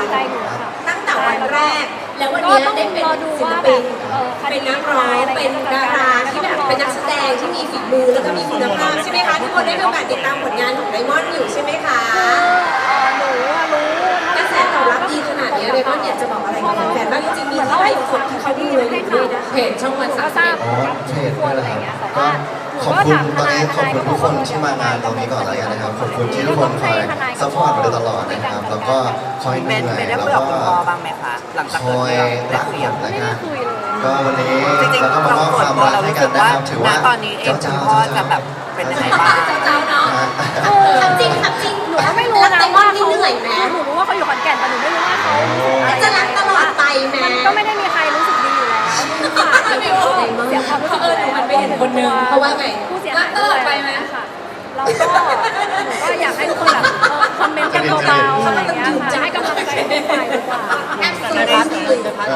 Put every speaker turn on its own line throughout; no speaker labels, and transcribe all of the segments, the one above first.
ใจหนูค่ะ
ตั้งแต่วันแรกแล้ววันนี้ได้เป็นศิลปินเป็นนักร้องเป็นดาราที่แบบเป็นนักแสดงที่มีฝีมือแล้วก็มีคุณภาพใช่ไหมคะทุกคนได้มีโอกาสติดตามผลงานของไดมอนด์อยู่ใช่ไหมคะ
หนูรู้
กระแสตอบรับดีขนาดนี้ไดมอนด์อยากจะบอกอะไรกับแฟนๆบ้างจริงๆมีใครคนที่เขาดูเลยด้วยนะเพจช่องวัน31
เพจด้วยนะครับก็ขอบคุณตอนนี้ขอบคุณทุกคนที่มางานตรงนี้ก่อนแล้วกันนะครับขอบคุณที่ทุกคนคอยซัพพอร์ตมาโดยตลอดนะครับแล้วก็คอยเหนื่อยแล้วก็คอยรักผมนะครับก็วันนี้เราก็มามอบความรักให้กันนะครับถือว่า
ตอนนี้เองคุณพ่อจะแบบเป็นยังไงบ้าง
เจ้าเนาะทำจริง
หนูก็ไม่รู้นะว่าเขาเหนื่อยไหมหนูรู้ว่าเขาอยู่ขอนแก่นแต่หนูไม่รู้ว่าเขา
จะรักตลอดไปไหม
มันก็ไม่ได้มีใครรู้สึกดีอยู่แล้วเสียความรู้สึกเลย
มันไปเห็นคนนึงเพราะว่าไง
ผู้เสียหายตลอดไปไหมค่ะเราก็หนูก็อยากให้ทุกคนแบบคอมเมนต์กันเบาๆอะไรอย่างเงี้ยค่ะให้กำลังใจทุกฝ่ายดีกว่า
แอบซื้อได้ซื้อ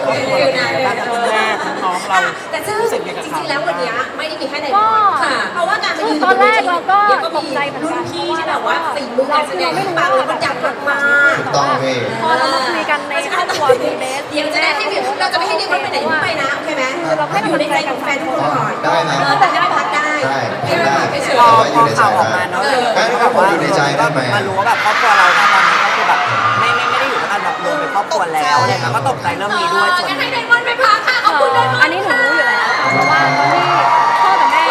แต่ซึ่งจริงๆแล้ววันนี้ไม่ได้มีแค่ไดมอนด์ค่ะเพราะว่าการมายืน
ตอนแรกเราก็ตกใจเหมือนกัน
ที่แบบว่าฝีมือการแสดงปังแล้วก็ดังมาก
ๆพอเรามาคุยกันในครอบครัวมีเบส
เดี๋ยวจะได้ให้เราจะไม่ให้เด็กไปไหนไปนะโอเคไหมเราให้อยู่ในใจของแฟนทุกคนก่อน
ได้ครับ
แต่ได้พักได้
พอข่าวออกมาเนาะแบบว่าอยู่ในใจได้ไหม
มารู้ว่าแบบครอบครัวเราตอนนี้ก็คือแบบไม่ได้อยู่ด้วยกันแบบรวมเป็นครอบครัวแล้วอะไรเงี้ยก็ตกใจเรื่องนี้ด้วยส่วน
ให้ไดมอนด์ไปพักค่ะขอบคุณไดมอนด์
อันนี้หนูรู้อยู่แล้วเพราะว่าตอนที่พ่อกับแม่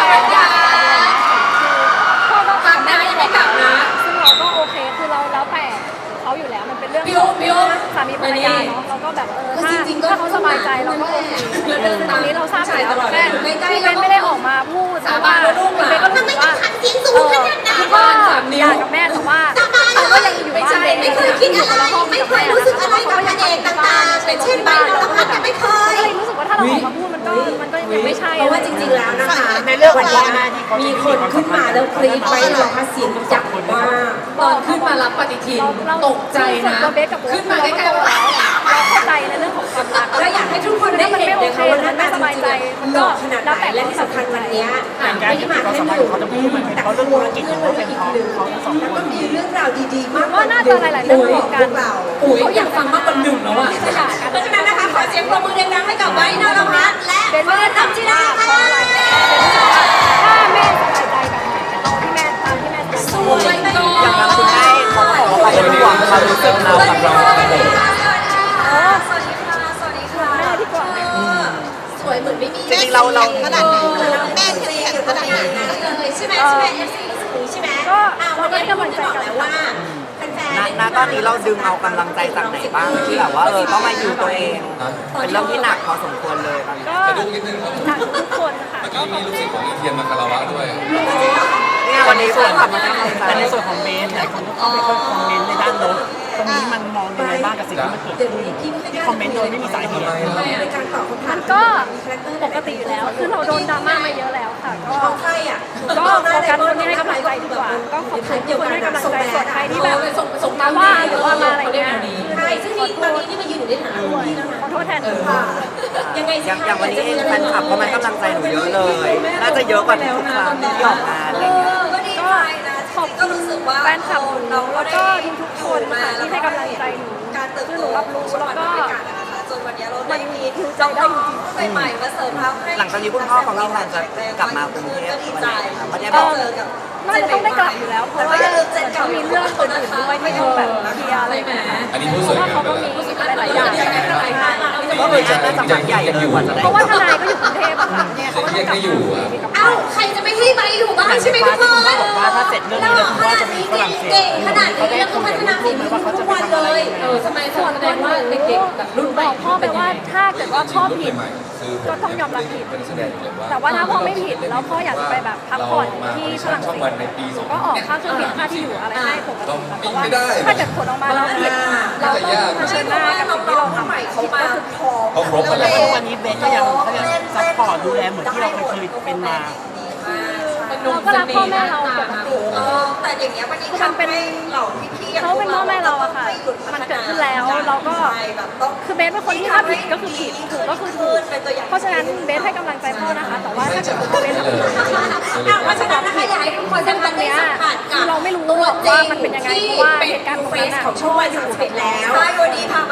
พ่อก็
พักได้ไม่กลับนะ
ซึ่งเราก็โอเคคือเราแล้วแต่เขาอยู่แล้วมันเป็นเรื่องสามีภรรยาเนาะเราก็แบบถ้าเขาสบายใจเราก็โอเคตอนนี้เราทราบอยู่แล้วแม่พี่เบนไม่ได้ออกมาพูดแต่ว่าพี่เบนก็รู้สึกว่าคือว่าอยากกับแม่แต่ว่าเขาก็ยังอยู่บ้าน
ไม่เคยคิดอะไรไม่เคยรู้สึกอะไรกับพระเอกต่างๆเป็นเช่นใบนรพัฒน์ไม่เคย
รู้สึกว่าถ้าเราออกมาพูดมันก็ยังไม่ใช่
เพราะว่าจริงๆแล้วนะคะในเรื่องวันนี้มีคนขึ้นมาแล้วคลิปใบนรพัฒน์เสียงจับมากตอนขึ้นมารับปฏิทินตกใจนะขึ้นมาใกล้ๆว่า
เราเข้าใจในเรื่องของความรัก
และอยากให้ทุกคนได้เห็นนะคะว่าน่าสบายใจหล่อขนาดไหนและที่สำคัญวันนี้ไม่ได้มาแค่หนึ่งแต่เขาเรื่องธุรกิจของเขาเป็นอีกหนึ่งแล้วก็มีเรื่องราวดีๆมาก
ว่าน่าจะหลายๆเรื่องของกัน
เขาอยากฟังมากกว่าหนึ่งแล้วอ่ะเพราะฉะนั้นนะคะขอเสียงปรบมือดังๆให้กับไบร์ทนรพัฒน์และเฟิร์นอัจฉริยะค่ะ
ถ้าแม่สบายใจแบบไหนเอาที่แม่ตามที่แม่สวย
ก่อน
อย่างนั้นคุณแม่เขาบอกว่าเป็นห่วงความรู้สึกเรากับเรา
สวัสดีค่ะ
แม่ที่กว่า
สวยเหมือนไม่มี
จริงๆเรา
ขนาดไหนแม่เสียขนาดไหนเลยใช่ไหมใช่ไหมก็วันนี้กำลังใจกันแล้วว่า
ณตอนนี้เราดึงเอากำลังใจจากไหนบ้างที่แบบว่าต้องมาอยู่ตัวเองเป็นเรื่องที่หนักพอสมควรเลยตอนนี้
ก็หนักทุกคนค่ะ
ก็มีลูกศิษย์ของอีเทียนมาคารวะด้วย
เนี่ยวันนี้ส่วนของ
แต่ในส่วนของเบสหลายคนก็เข้าไปคอมเมนต์ในด้านลบตรงนี้มันมองยังไงบ้างกับสิ่งที่มันเกิดขึ้นที่คอมเมนต์โดยไม่มีสาเหตุ
มันก็ปกติอยู่แล้วคือเราโดนดราม่ามาเยอะแล้วค่ะก็โฟกัสคนที่ให้กำลังใจดีกว่าก็ขอบคุณคนให้กำลังใจส่วนใครที่แบบส่งมาว่าหรือว่ามาอะไรเงี้ย
ใช่ซึ่งตอนนี้ที่มายืนอยู่ในฐานะรุ่นพี่แล้วนะ
ขอโทษแทนค่ะ
ยังไง
อย่างวันนี้เองแฟนคลับเขาให้กำลังใจหนูเยอะเลยน่าจะเยอะกว่าทุกครั้งที่ออกงานอะไรเงี้ย
ก็ขอบคุณแฟนคลับเราแล้วก็ทุกคนค่ะที่ให้กำลังใจหนูคือหนูรับรู้แล้วก็
จนวันนี้เรา
ได้มีคือใจได้จริง
ๆใหม่ๆมาเสริมทัพให้
หลังจากนี้คุณพ่อของเราจะกลับมากรุงเทพวันไหนไม่ได้
บอกน่าจะต้องได้กลับอยู่แล้วเพราะว่าเขามีเรื่องคนอื่นด้วยที่ต้องแบบเคลียร์อะไรแบบนี้
อันนี้ผู้สวย
เขาก็มีหลายๆอย่าง
ก็เลยน่าจะฝันใหญ่เลยกว่าจะได้
เพราะว่าทนายก็อยู่กรุงเทพอะค่ะเนี่ยเขาก็ต้องกลับ
เอ้าใครจะไม่ให้ไปอยู่บ้านใช่ไหมทุกคน
บอกว่าถ้าเสร็จเรื่องนี้แล้วคุณพ่อจะมีฝรั่งเศส
เก่งขนาดนี้แล้วก็พัฒนาฝีมือทุกวันเลยทำไมส่วนตัวว่าเด็กๆแบบรุ่น
บอกพ่อไปว่าถ้าเกิดว่าพ่อผิดก็ต้องยอมรับผิดแต่ว่าถ้าพ่อไม่ผิดแล้วพ่ออยากจะไปแบบพักผ่อนที่ฝรั่งเศสก็ออกค่าเครื่องบินค่าที่อยู่อะไรให้ผมเพราะว่าถ้าเกิดผลออกมาแล้วผิดเราต้องเผชิญหน้ากับสิ่งที่เราทำผิดก็คือพอ
ครบกันแล้ว
วันนี้เบสก็ยังซัพพอร์ตดูแลเหมือนที่เราเคยเป็นมา
เราก็รักพ่อแม่เราปกติ
แต่อย่างเงี้ยวันนี้
มันเป็นเขาเป็นพ่อแม่เราอะค่ะมันเกิดขึ้นแล้วเราก็คือเบสเป็นคนที่ถ้าผิดก็คือผิดถูกก็คือถูกเพราะฉะนั้นเบสให้กำลังใจพ่อนะคะแต่ว่าถ้าเกิดพ่อเบสทำผิด
เพราะฉะนั้นนะคะอยากให้ทุกคนได้มาได้สัมผัสกับ
เราไม่รู้หรอกว่ามันเป็นยังไงเพราะว่าเหตุการณ์ของนั้น
ของช่องวัน31แล้วใช่วันนี้พามา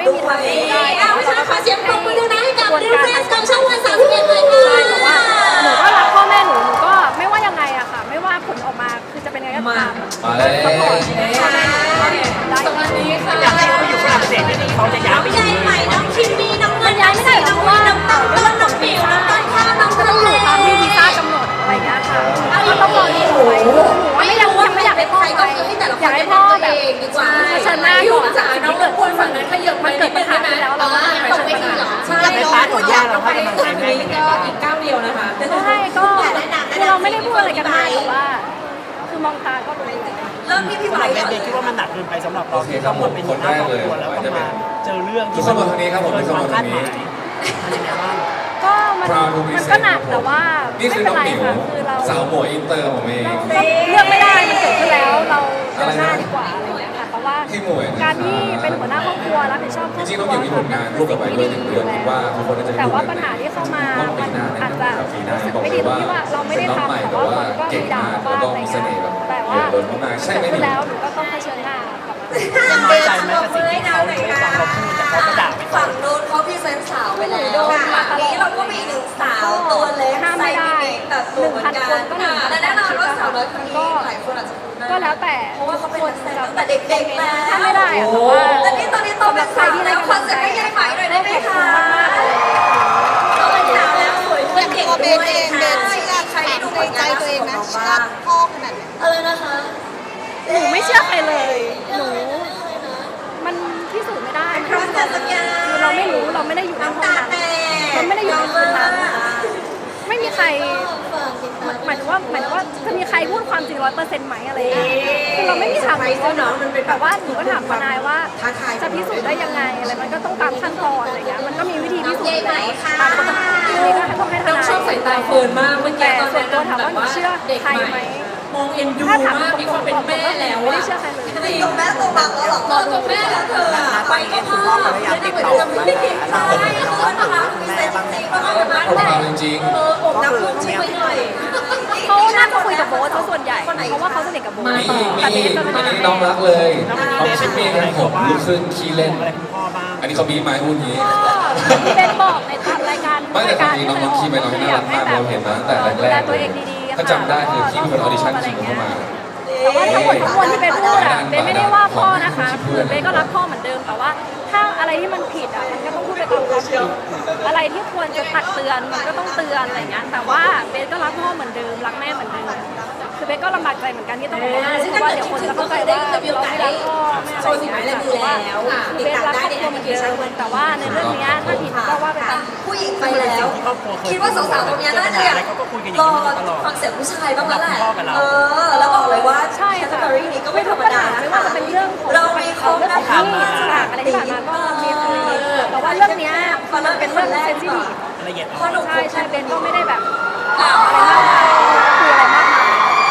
ไม่มีทางเป็นไปได้
เพราะฉะนั้นขอเสียงปรบมือด้วยนะให้กับดิวเรสกับช่องวัน31เลยค่ะ
ใช่แต่ว่าหนูก็รักพ่อแม่หนูก็ไม่ว่ายังไงอะค่ะ ไม่ว่าผลออกมาคือจะเป็นยังไงก็ตาม
มาแล้ว
สปอร์ตพ่อแม่หนูก็ได้
สวัสดีค่ะ
อยากให้เขาไปอยู่ฝรั่งเศสที่เขาจะย้ายไปอ
ใหญ่
ยู่
ใหม่น้องคิมมี่น้องเงินน้องสีน้องวีน้องตั้งต้นน้องปิ๋วน้องต้นข้าวน้อง
ก็
ทะ
ต้องอ
เล
ยู่ตามที่วีซ่ากำหนดอะไรอย่างเงี้ยค่ะก็ต้องรอที่หนูไปหนูว่ายังไม่อยากให้พ่อไปอยากให้พ่อแบบเชิญหน้าก่อนสิ่งที่เกิดขึ้นมันเกิดปัญหาขึ้นแล้วเราก็ต้องไปเชิญปัญหา
ใช่
ในพาร์ทของย่าเราให้กำลังใจแม่ยังไงบ้าง
อีกก้าวเดียวนะคะ
ใช่ก็คือเราไม่ได้พูดอะไรกันมากแต่ว่า คือมองตาก็รู้
เริ่มที่พี่
สำ
ไบ
หรับ
ร์
เบนคิดว่ามันหนักเกินไปสำหรับเราที่ต้องมาเป็นหัวหน้าครอบครัวแล้วต้องมาเจอเรื่องที่มันเกินความคาดหมายมันยังไงบ้าง
ก็มันก็หนักแต่ว่า
นี่
ไม่
คือ
เป็
น้
น
อง
ไร
หมิว
ค่ะคือเรา
สาวหมวยอินเตอร์ผมเอง
เลือกไม่ได้มันเกิดขึ้นแล้วเราเดินหน้าดีกว่าอะไรอย่างเงี้ยค่ะเพราะว่า
พี่หมวย
การที่เป็นหัวหน้าครอบครัวรับผิดชอบค
จ
รอบค
ริงๆ
รั
น้องหมิวมีผลงานร่วมกับไบเบิล1 เดือนคิดว่าทุกคนน่าจะได้
แต่
ดู
ว่า
กั
ปั
น
ญหาที่เข้ามา
ต้นปี
มัน
หน้า
อาจจะ
ปีหน้า
รู้สึก
บอก
ไม่
เล
ดี
ย
ตรง
ว่า
ที่ว่าเราไม่
เป็
ได้
นน้องใหม่
ทำแต่
แต่
ว่า
ว่า
คนก็
เก่
มี
ง
ด่าม
าก
บ้า
แล้ว
ง
ก็
อะไรอ
มี
ย่าง
เส
เงี้
น่ห์
ย
แบบ
แต่
เห
ว่า
ลือล้นมากๆใช่ไหม
ขึ้
หมิ
น
ว
แล้วหนูก็ต้องเผชิญหน้ากับมัน
ยังน้อยใจไหมกับสิ่งที่เขาได้ฟังเราพูดแต่เขาก็ด่าไปก่อ
ฝั่
น
งโน้นเขาพรีเซนต์สาวไปแล้วฝั่งนี้เราก็มีหนึ่งสาวตัวเล็ก
ห้าม
ใส่
ไม่ได้
เด็กตัดสูงเหมือนกัน
1,000 คนก็
และแน่นอนว่าสาวน้อยคนนี้หลายคนอาจจะคุ้นหน้า
ก็แล้วแต่
เพราะว่าเขาเป็น
ค
นั
น
กแสดง
จะ
ตั้งแต่เด็กๆแล้ว
ถ้าไม่ได้อะแต่ว่า
แต่นี่ตอนนี้โตเป็นสาวแล้วคอนเซ็ปต์ไม่ใหญ่ใหม่หน่อยได้ไหมคะ
มากๆเลย
โตเป็นสาวแล้วสวยขึ้นเก่ง
ตัวเบ
ด้วย
นเองเบนเชื่อ
ใครได้ดูผ
ใน
ล
ใจ
งาน
ตัวเองนะ
ของ
เชื่อ
บ้าง
พ่อขนาดไหน
อะไรนะคะ
หนูไม่เชื่อใครเลย หนู มันพิสูจน์ไม่ได้
เพราะแต่สัญญา
คือเราไม่รู้เราไม่ได้อยู่ในห้อง
ตา
นั้น
แตก
เราไม่ได้อยู่ในคืนนั้น ไม่มีใครหมายถึงว่าจะมีใครพูดความจริง100%ไหมอะไรอย่างเงี้ยคือเราไม่มีทางรู้เนาะแต่ว่าหนูก็ถามทนายว่าจะพิสูจน์ได้ยังไงอะไรมันก็ต้องตามขั้นตอนอะไรเงี้ยมันก็มีวิธีพิสูจน์อยู่แล้วตามกฎหมายอันนี้ก็ต้องให้ทนาย
ชอบสายตาเฟิร์นมากเมื่อกี้
แต่
ตอน
ส่วน
นั้น
ตัวถามว่าหนูเชื่อใครไหม
มองเอ็นดู
ถ้าถาม
มากมีความเป็นแม่แล้ว
ไม่ได้เชื่อใครเลย
จริงแม่ตัวบังแล้วหรอตัวแม่แล้วเธอไปก็พ่อไม่ได้เหมือนเดิมไม่ได้ใช่คือนะคะมีเซนจริงๆก็เอามา
เอาเอาจริง
อกนักลูกช่วยหน่อย
เขาน่าจะคุยกับโบ๊ทซะส่วนใหญ่เพราะว่าเขาสนิทกับโบ๊ท
ๆมี
แต่
มี
เบสจะไม่
อัน
ได้
นี้น้องรักเลยน้องชิปปี้ครับผมลูกครึ่งขี้เล่น
อะไรคุณพ่อบ้าง
อันนี้เขาบีบมาให้พูดอย่างนี้
ก็ที่เบนบอกในตามรายการ
ไม่แต่ความจริงน้องขี้ไปน้องน่ารักมากเราเห็นมาตั้งแต่แร
ดูแล
กๆ
ตั
เล
วย เองดีๆ
ถ้าจำได้คือพี่เป็นคนออดิชั่นชิงเข้ามา
แต่ว่าทั้งหมดทั้งมวลที่เบนพูดอะเบนไม่ได้ว่าพ่อนะคะคือเบนก็รักพ่อเหมือนเดิมแต่ว่าถ้าอะไรที่มันผิดอะมันก็ต้องพูดไปตามความจริงอะไรที่ควรจะตักเตือนมันก็ต้องเตือนอะไรเงี้ยแต่ว่าเบนก็รักพ่อเหมือนเดิมรักแม่เหมือนเดิมคือเบนก็ลำบากใจเหมือนกันที่ต้องบอกว่าเพราะว่าเดี๋ยวคนจะเข้าใจว่าเราไม่รักพ่อไม่อะไรอย่างเงี้ยแต่ว่าคือเบนรักครอบครัวเหมือนเดิมแต่ว่าในเรื่องเนี้ยถ้าผิดก็ว่าไปตาม
ผู้หญิงไปแล้ว คิดว่าสาวๆตรงนี้น่าจะอยากรอฟังเสียงผู้ชายบ้างแล้วแหละแล้วบอกเลยว่า
ใช่
แคต
ค่ะ
ตาล็อนี้ก็ไม่ธรรมดา
ไม่ว่าจะเป็นเรื่องของ
เรามีครบ
เรื่อง
นะ
ของ
คะ
ที่ฉากอะไรที่ผ่านมาก็มีคุยแต่ว่าเรื่องเนี้ยมันเป็นเรื่องเซนซิทีฟ
ละเอียดอ่
เพ
อน
ราะหนู
ใช่ใช่เบนก็ไม่ได้แบบอะไรมากมายคุยอะไรมากมาย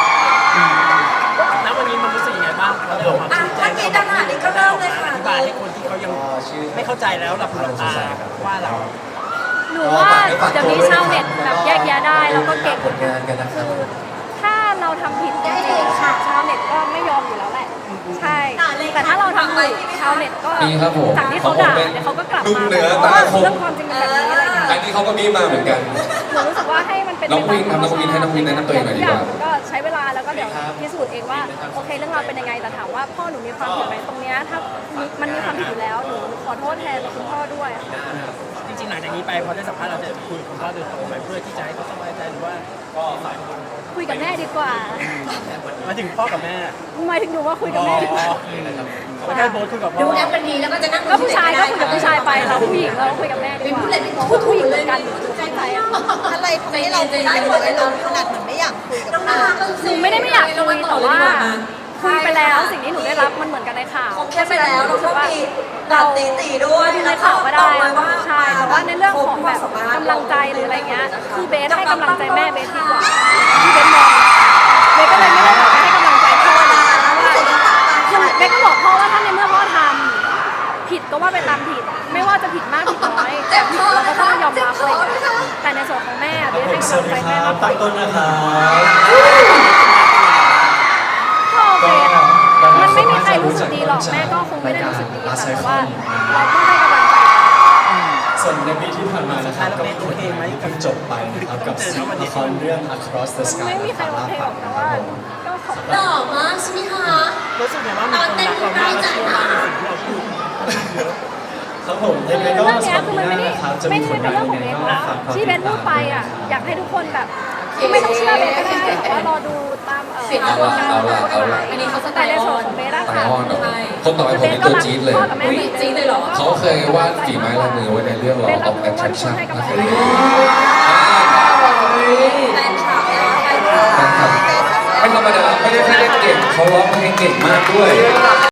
แล้ววันนี้มันรู้สึกยังไงบ้างเราได้ออกมาชี้แจง
เมื่อกี้ดังหานี้ก็เริ่มเลยค่ะ
อธิบายให้คนที่เขายังไม่เข้าใจแล้วหลับหูหลับตาว่าเรา
หนูว่าเดี๋ยวนี้ชาวเน็ตแบบแยกแยะได้แล้วก็เก่ง
ผลงานกันนะครับ
คือถ้าเราทำผิดจริงๆชาวเน็ตก็ไม่ยอมอยู่แล้วแหละใช่แต่ถ้าเราทำถูกชาวเน็ตก็
มีครับผม
จากที่เขาด่าเนี่ยเขาก็กลับ
นุ่ม
มา
เหนือ
เพราะ
ตา
ว่า
คม
เรื่องความจริงเป็นแบบนี้อะไรอย่างเงี้ย
อันนี้เขาก็บีบมาเหมือนกัน
หนูรู้สึกว่าให้มันเป็น
น้องวินครับน้องวินให้น้องวินแนะนำตัวเองหน่อยดีกว่า
ทุก็ใช้เวลาแล้วก็เดี๋ยวพิสูจน์เองว่าโอเคเรื่องราวเป็นยังไงแต่ถามว่าพ่อหนูมีความผิดไหมตรงเนี้ยถ้ามันมีความผิดอยู่แล้วหนูขอโทษแทนคุณพ่อด้วย
จริงๆหลังจากนี้ไปพอได้สัมภาษณ์เราจะคุยกับคุณพ่อโดยตรงไหมเพื่อที่จะให้เขาสบายใจหรือว่า
คุยกับแม่ดีกว่า
มาถึงพ่อกับแม่
หมายถึงหนูว่าคุยกับแม่ดีกว่า
ไม่ใช่โบสคุยกับพ่
ดู
อ
แอปกันดีแล้วก็จะนั่ง
ก็ผู้ชายก็คุยกับผู้ชายไปเราผู้หญิงเราคุยกับแม่ดีกว่าพูดผู้หญิงเหมือนกันหนูเข้าใจอะ
อะไรทำให้เราคุยกันหรือว่าเราขนาดเหมือนไม่อยากคุยกับพ่อ
หนูไม่ได้ไม่อยากคุยแต่ว่าคุยไปแล้วสิ่งที่หนูได้รับมันเหมือนกันในข่าว
แค่ไปแล้วเราก็มีแบบตีด้วย
ดูในข่าวก็ได้ใช่แต่ว่าในเรื่องของแบบกำลังใจหรืออะไรเงี้ยคือเบสให้กำลังใจแม่เบสดีกว่าที่เบสมองเบสก็เลยไม่ได้แบบให้กำลังใจพ่อเลยเพราะว่าคือเบสก็บอกพ่อว่าถ้าในเมื่อพ่อทำผิดก็ว่าไปตามผิด ไม่ว่าจะผิดมากผิดน้อยแต่ผิดเราก็ต้องยอมรับอะไรอย่างเงี้ยแต่ในส่วนของแม่เบสให้กำลังใจแม่มากกว่า
ต้นนะครับ
ก็โอเคมันไม่มีใครรู้สึกดีหรอกแม่ก็คงไม่ได้รู้สึกดีค่ะแต่ว่าเราก็ให้กำ
ส่วนในปีที่ผ่านมานะครับก็มีผลงานที่เพิ่งจบไปนะครับกับละครเรื่อง Across the
มัน
Sky
ไม่มีใครโอเคหรอกแต่ว่าก็ขอบคุณ
หล่อมากใช่ไหมคะ
รู้สึกไงว่ามีคนรักเรามากและเชื่อมั่นในสิ่งที่เราพูด
ครับผมยังไงก็
เรื่อง
สำ
เนี้
ห
ย
รับ
คือ
ปี
มัน
ห
ไม่
น้า
ได้
นะครับจะ
ไม่
มี
ได้
ผ
เป็น
ล
เรื่อง
งาน
ของ
ยัง
เบ
ไง
น
ก็
อะ
ฝาก
ที่ไม่ต้องเชื่อเบนก็ได้แต่ว่ารอดูตามกระบวนการของกฎหมาย
อันนี้เขาสไต
แต่
ล์
ใน
อ
ส่ว
อน น
ของเบนอะ
ไต
ค่ะ
ออนเหรอคนต่อไปผมเป็นตัวจี๊ดเลย
พ่อกับแม่
จี๊ดเลยเหรอ
เขาเคยวาดฝีไม้ลายมือไว้ในเรื่อง Law
เบนรับ
of
รู้ว่าทุกคน
Attraction
ให้กำลัง
นะค
ใจ
รับ
แฟนคลับนะแฟนคลับ
ไม่ธรรมดาไม่ได้แค่เล่นเก่งเขาร้องเพลงเก่งมากด้วย